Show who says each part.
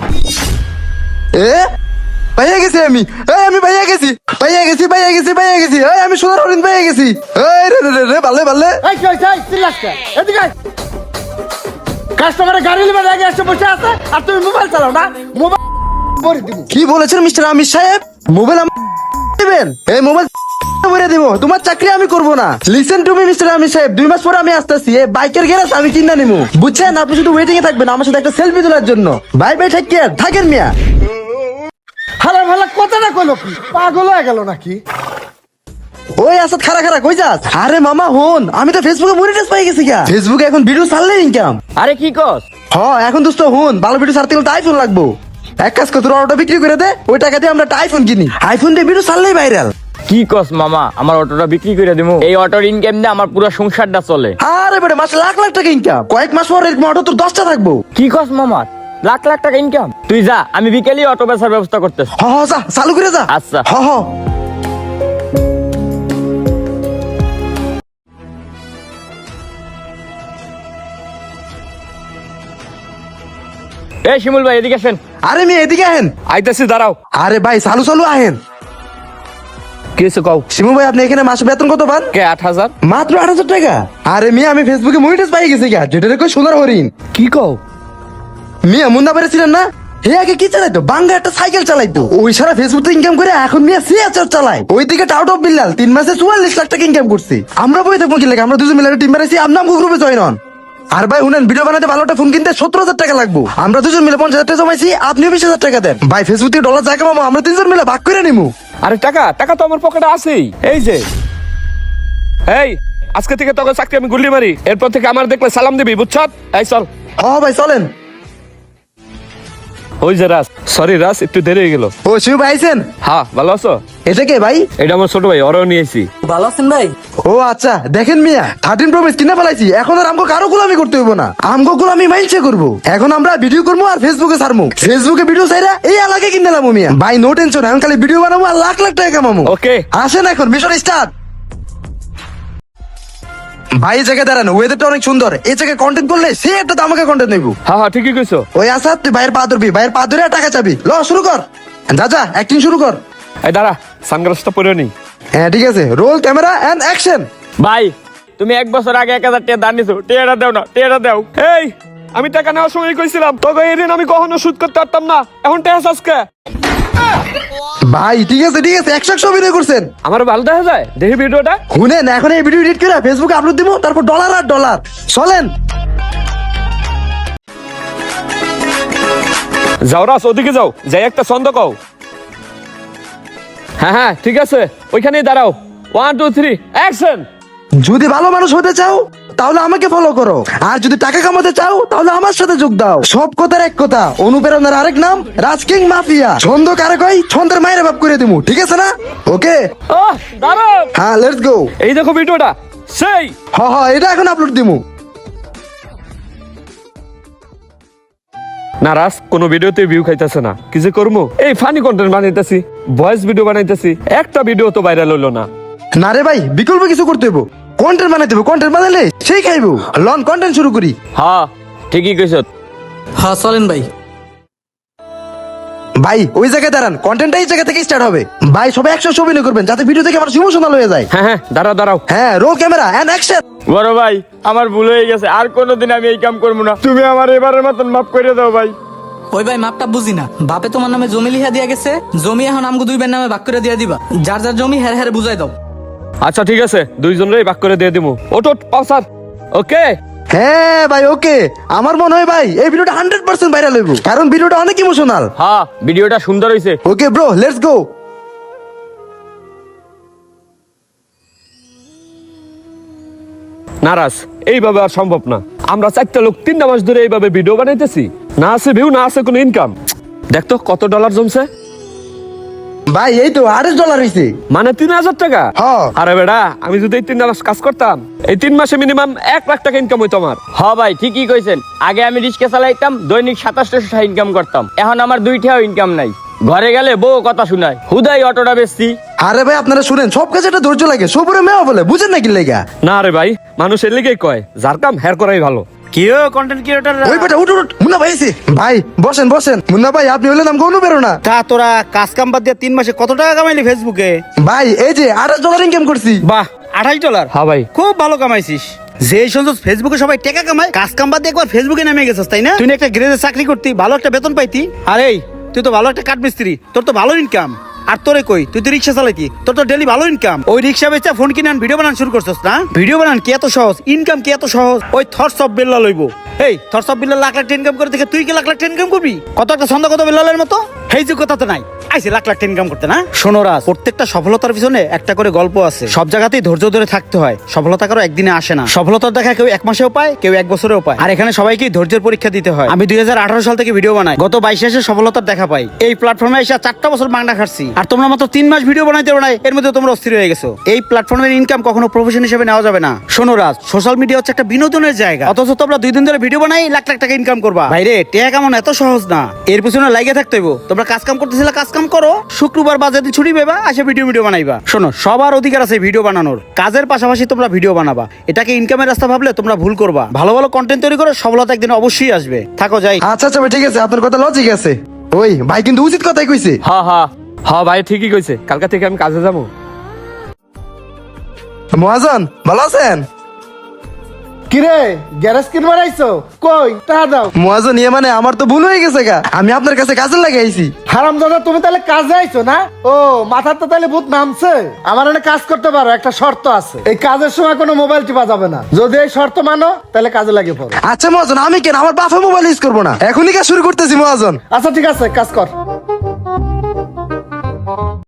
Speaker 1: এ পাইয়া গেছি আমি, আমি পাইয়া গেছি, পাইয়া গেছি, পাইয়া গেছি, পাইয়া গেছি, আমি সোনার হরিণ পাইয়া গেছি। রে রে রে রে বালে বালে।
Speaker 2: এই কই যাই চিল্লাসকা এদিকে আয়। কাস্টমারের গাড়ি লিবে আগে এসে বসে আছে আর তুমি মোবাইল চালাও না, মোবাইল ভরে দিব।
Speaker 1: কি বলেছেন মিস্টার আমির সাহেব? মোবাইল দিবেন? এই মোবাইল ভরে দিব, তোমার চাকরি আমি করব না। Listen to me mister Amir Sahab, 2 মাস পরে আমি আসতেছি, এই বাইকের গ্যারেজ আমি কিনা নিবো, বুঝছেন? আপনি শুধু ওয়েটিং এ থাকবেন আমার সাথে একটা সেলফি তোলার জন্য। বাই বাই, টেক কেয়ার, থাকেন মিয়া।
Speaker 2: হালা ভালা কথাটা কইলো কি, পাগল হয়ে গেল নাকি?
Speaker 1: ওই আসাদ, খারা খারা কই যাস? আরে মামা হন, আমি তো ফেসবুকে মনিটাইজ পাই গেছি গা। ফেসবুকে এখন ভিডিও ছাড়লে ইনকাম।
Speaker 3: আরে কি কস?
Speaker 1: এখন দোস্ত হুন, ভালো ভিডিও ছাড়তে গেলে তো আইফোন লাগবো। এক কাজ কর, তোর অটোটা বিক্রি করে দে, ওই টাকা দিয়ে আমরা একটা আইফোন কিনি। আইফোন দিয়ে ভিডিও ছাড়লেই ভাইরাল।
Speaker 3: কি কস মামা, আমার অটোটা বিক্রি করে দিমু? এই অটোর ইনকাম দিয়ে আমার পুরো সংসারটা চলে।
Speaker 1: আরে বেটা, মাসে লাখ লাখ টাকা ইনকাম, কয়েক মাস পর এরকম অটো তোর 10টা থাকবো।
Speaker 3: কি কস মামা, লাখ লাখ টাকা ইনকাম? তুই যা, আমি বিকেলেই অটো বেচার ব্যবস্থা করতেছি।
Speaker 1: যা চালু করে যা।
Speaker 3: আচ্ছা। এই শিমুল ভাই এদিকে আসেন।
Speaker 1: আরে মেয়ে এদিকে আহেন।
Speaker 3: আইতাছি, দাঁড়াও।
Speaker 1: আরে ভাই চালু চালু আহেন।
Speaker 3: কিছু কও।
Speaker 1: শিমু ভাই, আপনি এখানে মাসে বেতন কত পান?
Speaker 3: কে 8,000?
Speaker 1: মাত্র 8,000 টাকা? আরে মিয়া, আমি ফেসবুকে মনিটাইজ পাই গেছি গা, যেটা কই সোনার হরিণ।
Speaker 3: কি কও?
Speaker 1: মিয়া মুন্না পেরেছিলেন না? হে আগে কি চালাইতো? বাঙ্গা একটা সাইকেল চালাইতো, ওই সারা ফেসবুক ইনকাম করে এখন মিয়া সিএচআর চালায়। ওইদিকে টাউট অফ বিল্লাল 3 মাসে 44 লাখ টাকা ইনকাম করছে। আমরা বই থাকবো কি লাগে? আমরা দুজন মিলে টিম বানাইছি, আপনার গ্রুপে জয়েন হন। আর ভাই শুনেন, ভিডিও বানাতে ভালো একটা ফোন কিনতে 17,000 টাকা লাগবে। আমরা দুজন মিলে 50,000 টাকা জমাইছি, আপনিও 20,000 টাকা দেন। ভাই ফেসবুক থেকে ডলার জায়গা মামা, আমরা 3জন মিলে ভাগ করে নিমু।
Speaker 4: আরে টাকা টাকা তো আমার পকেটে আছেই। এই যে, এই আজকে থেকে তোকে চাকরি আমি গুল্লি মারি, এরপর থেকে আমার দেখলে সালাম দিবি, বুঝছ? এই চল।
Speaker 1: ভাই চলেন।
Speaker 4: ওই যে রাজ, সরি রাজ, একটু দেরি হয়ে গেল।
Speaker 1: ও শিব ভাই আইছেন?
Speaker 4: হ্যাঁ, ভালো আছো?
Speaker 1: এটা কে ভাই?
Speaker 4: এটা আমার ছোট ভাই, ওরাও নিয়েছি।
Speaker 3: ভালো আছেন ভাই?
Speaker 1: ও আচ্ছা, দেখেন মিয়া, 13 প্রো ম্যাক্স কিনে ফেলাইছি, এখন আর আমগো কারো গোলামি করতে হইব না। আমগো গোলামি মাইলছে করবো। এখন আমরা ভিডিও করবো আর ফেসবুকে ছাড়বো। ফেসবুকে ভিডিও চাইরা এই এলাকায় কিনে নিলাম মিয়া। ভাই নো টেনশন, এখন খালি ভিডিও বানাবো আর লাখ লাখ টাকা কামাবো।
Speaker 4: ওকে,
Speaker 1: আসেন এখন মিশন স্টার্ট। ভাই এই জায়গায় দাঁড়ানো, ওয়েদারটা অনেক সুন্দর, এই জায়গায় কন্টেন্ট করলে সে একটা দামাকা কন্টেন্ট নেবো।
Speaker 4: হ্যাঁ হ্যাঁ, ঠিকই কইছো।
Speaker 1: ওই আসাদ, তুই ভাইয়ের পা ধরবি, ভাইয়ের পা ধরে টাকা চাবি। ল শুরু কর, যা অ্যাক্টিং শুরু কর।
Speaker 4: এই দাঁড়া, সানগ্লাসটা পরে নি।
Speaker 1: হ্যাঁ ঠিক আছে, রোল ক্যামেরা এন্ড অ্যাকশন।
Speaker 3: ভাই তুমি 1 বছর আগে 1000 টাকা দান নিছো, টাকাটা দাও না, টাকাটা দাও।
Speaker 4: এই, আমি টাকা নেওয়ার সময় কইছিলাম তোকে এই ঋণ আমি কখনো শোধ করতে পারতাম না, এখন টাকা আজকে।
Speaker 1: ভাই ঠিক আছে 100 অভিনয় করছেন।
Speaker 4: আমার ভালো দেখা যায়, দেখি ভিডিওটা।
Speaker 1: শুনেন, এখন এই ভিডিও এডিট করে ফেসবুকে আপলোড দিব, তারপর ডলার আর ডলার। চলেন।
Speaker 4: যাও রাস, ওদিকে যাও, যাই একটা ছন্দ কও। হ্যাঁ হ্যাঁ ঠিক আছে, ওইখানেই দাঁড়াও। 1 2 3 অ্যাকশন।
Speaker 1: যদি ভালো মানুষ হতে চাও তাহলে আমাকে ফলো করো, আর যদি টাকা কামাতে চাও তাহলে আমার সাথে যোগ দাও। সব কথার এক কথা, অনুপ্রেরণার আরেক নাম রাজ কিং মাফিয়া। ছন্দ কারে কই? ছন্দের মায়ের বাপ করে দিমু, ঠিক আছে না? ওকে,
Speaker 4: দাঁড়াও।
Speaker 1: হ্যাঁ লেটস গো।
Speaker 4: এই দেখো ভিডিওটা, সেই।
Speaker 1: এটা এখন আপলোড দিমু।
Speaker 4: না রাস, কোন ভিডিওতে ভিউ খাইতেছে না, কি যে করবো? এই ফানি কন্টেন্ট বানাইতেছি, ভয়েস ভিডিও বানাইতেছি, একটা ভিডিও তো ভাইরাল হইলো না।
Speaker 1: না রে ভাই, বিকল্প কিছু করতে হইব। কন্টেন্ট বানাইতে হইব, কন্টেন্ট বানাইলে সেই খাইবো। লন কন্টেন্ট শুরু করি।
Speaker 3: হ্যাঁ ঠিকই কইছো।
Speaker 5: হ্যাঁ চলেন ভাই।
Speaker 1: ভাই ওই জায়গায় দাঁড়ান, কন্টেন্টটা এই জায়গা থেকে স্টার্ট হবে। ভাই সবাই 100 অভিনয় করবেন, যাতে ভিডিও থেকে আমার ইমোশনাল হয়ে যায়।
Speaker 4: হ্যাঁ হ্যাঁ, দাঁড়াও দাঁড়াও।
Speaker 1: হ্যাঁ, রোল ক্যামেরা এন্ড অ্যাকশন।
Speaker 3: বড় ভাই আমার ভুল হয়ে গেছে, আর কোনোদিন আমি এই কাম করবো না, তুমি আমার এবারের মতন মাফ করে দাও ভাই।
Speaker 5: ওই ভাই মাপটা বুঝি না, বাপে তোমার নামে জমি লিখা দিয়া গেছে, জমি এখন আমগো 2 ভাইয়ের নামে ভাগ করে দিয়া দিবা। যার যার জমি হের হের বুঝাই দাও।
Speaker 4: আচ্ছা ঠিক আছে, দুইজনেরই ভাগ করে দিয়ে দিমু। ওটো পাসার। ওকে।
Speaker 1: হ্যাঁ ভাই ওকে, আমার মনে হয় ভাই এই ভিডিওটা 100% ভাইরাল হইব, কারণ ভিডিওটা অনেক ইমোশনাল।
Speaker 3: হ্যাঁ ভিডিওটা সুন্দর হইছে।
Speaker 1: Okay bro, let's go.
Speaker 4: নারাজ, এইভাবে আর সম্ভব না। আমরা 4টা লোক 3 মাস ধরে এইভাবে ভিডিও বানাইতেছি, না আছে ভিউ, না আছে কোনো ইনকাম। দেখতো কত ডলার জমছে।
Speaker 1: ভাই এই তো $28 হইছে,
Speaker 4: মানে 3,000 টাকা।
Speaker 1: হ্যাঁ।
Speaker 4: আরে বেটা, আমি যদি এই 3 মাস কাজ করতাম, এই 3 মাসে মিনিমাম 1 লাখ টাকা ইনকাম হইতো আমার।
Speaker 3: হ্যাঁ ভাই ঠিকই কইছেন, আগে আমি রিক্সা চালাইতাম, দৈনিক 2700 টাকা ইনকাম করতাম, এখন আমার 2 টাকাও ইনকাম নাই। ঘরে গেলে বউ কথা শুনায়, হুদাই অটোটা বেচছি।
Speaker 1: আরে ভাই আপনারা শুনেন, সব কাজে একটা ধৈর্য লাগে, সবরে মেয়া বলে, বুঝেন না কি লেগা?
Speaker 4: না রে ভাই, মানুষ এর লিগেই কয় যার কাম হের করাই ভালো।
Speaker 2: কিও কন্টেন্ট ক্রিয়েটর
Speaker 1: ওই বেটা উঠ উঠ, মুন্না ভাই এসে। ভাই বসেন বসেন। মুন্না ভাই আপনি হলেন আমাকে অনুপ্রেরণা।
Speaker 2: তা তোরা কাজ কাম বাদ দিয়ে 3 মাসে কত টাকা কামাইলি ফেসবুকে?
Speaker 1: ভাই এই যে $28 ইনকাম করছি।
Speaker 2: বাহ, $28?
Speaker 3: হ্যাঁ ভাই।
Speaker 2: খুব ভালো কামাইছিস। যে শুনছিস ফেসবুকে সবাই টাকা কামায়, কাজ কাম বাদ দিয়ে একবার ফেসবুকে নেমে গেছিস তাই না? তুই না একটা গ্যারেজে চাকরি করতি, ভালো একটা বেতন পাইতি। আরে তুই তো ভালো একটা কাঠমিস্ত্রি, তোর তো ভালো ইনকাম। আর তোরে কই, তুই তো রিক্সা চালাইতি, তোর তো ডেলি ভালো ইনকাম। ওই রিক্সা বেচা ফোন কিনে ভিডিও বানান শুরু করছিস না? ভিডিও বানান কি এত সহজ? ইনকাম কি এত সহজ? ওই থটস অফ বিল্লাহ লইব। এই থটস অফ বিল্লাহ লাখ লাখ ইনকাম করে দেখে তুই কি লাখ লাখ ইনকাম করবি? কত একটা ছন্দ কত বিল্লালের মতো এই যে কথা তো নাই, আইসে লাখ লাখ ইনকাম করতে না? শোনো রাজ, প্রত্যেকটা সফলতার পিছনে একটা করে গল্প আছে। সব জায়গাতেই ধৈর্য ধরে থাকতে হয়। সফলতা কারো একদিনে আসে না। সফলতার দেখা কেউ 1 মাসেও পায়, কেউ 1 বছরেও পায়। আর এখানে সবাইকে ধৈর্যের পরীক্ষা দিতে হয়। আমি 2018 সাল থেকে ভিডিও বানাই, গত 22 এসে সফলতার দেখা পাই। এই প্ল্যাটফর্মে এসে 4টা বছর মাংনা খাচ্ছি, আর তোমরা মাত্র 3 মাস ভিডিও বানাইতে বানাই এর মধ্যে তোমরা অস্থির হয়ে গেছো। এই প্ল্যাটফর্মের ইনকাম কখনো প্রফেশন হিসেবে নেওয়া যাবে না। শোনো রাজ, সোশ্যাল মিডিয়া হচ্ছে একটা বিনোদনের জায়গা, অথচ তোমরা 2 দিন ধরে ভিডিও বানাই লাখ লাখ টাকা ইনকাম করবা। ভাইরে টাকা কেমন এত সহজ না, এর পিছনে লাগিয়ে থাকতে হইব। তোমরা কাজ কাম করতেছিলে, কাজ কাম করো, শুক্রবার বাজে দিন ছুটি পেবা, আসে ভিডিও বানাইবা। শোনো, সবার অধিকার আছে ভিডিও বানানোর। কাজের পাশাপাশি তোমরা ভিডিও বানাবা, এটাকে ইনকামের রাস্তা ভাবলে তোমরা ভুল করবা। ভালো ভালো কন্টেন্ট তৈরি করে সফলতা একদিন অবশ্যই আসবে। থাকো যাই।
Speaker 1: আচ্ছা আচ্ছা ভাই ঠিক আছে, আপনার কথা লজিক আছে। ওই ভাই কিন্তু উচিত কথাই কইছে।
Speaker 3: হ্যাঁ হ্যাঁ।
Speaker 4: হ্যাঁ ভাই ঠিকই কইছে, কালকা থেকে আমি কাজে যাবো।
Speaker 1: মহাজন ভালো আছেন?
Speaker 2: কিরে গ্যারেজ কিনবার আইছো? কই টাকা দাও।
Speaker 1: মহাজন ইয়ে মানে আমার তো ভুল হয়ে গেছে গা, আমি আপনার কাছে কাজে লাগে আইছি।
Speaker 2: হারামজাদা, তুমি তাহলে কাজে আইছো না? ও মাথার তো তাহলে ভূত নামছে। আমার এখানে কাজ করতে পারো, একটা শর্ত আছে। এই কাজের সময় কোনো মোবাইল টিপা যাবে না। যদি এই শর্ত মানো তাহলে কাজে লাগে পড়ো।
Speaker 1: আচ্ছা মহাজন, আমি কেন আমার বাপে মোবাইল ইউজ করবো না? এখনই কাজ শুরু করতেছি মহাজন।
Speaker 2: আচ্ছা ঠিক আছে, কাজ কর।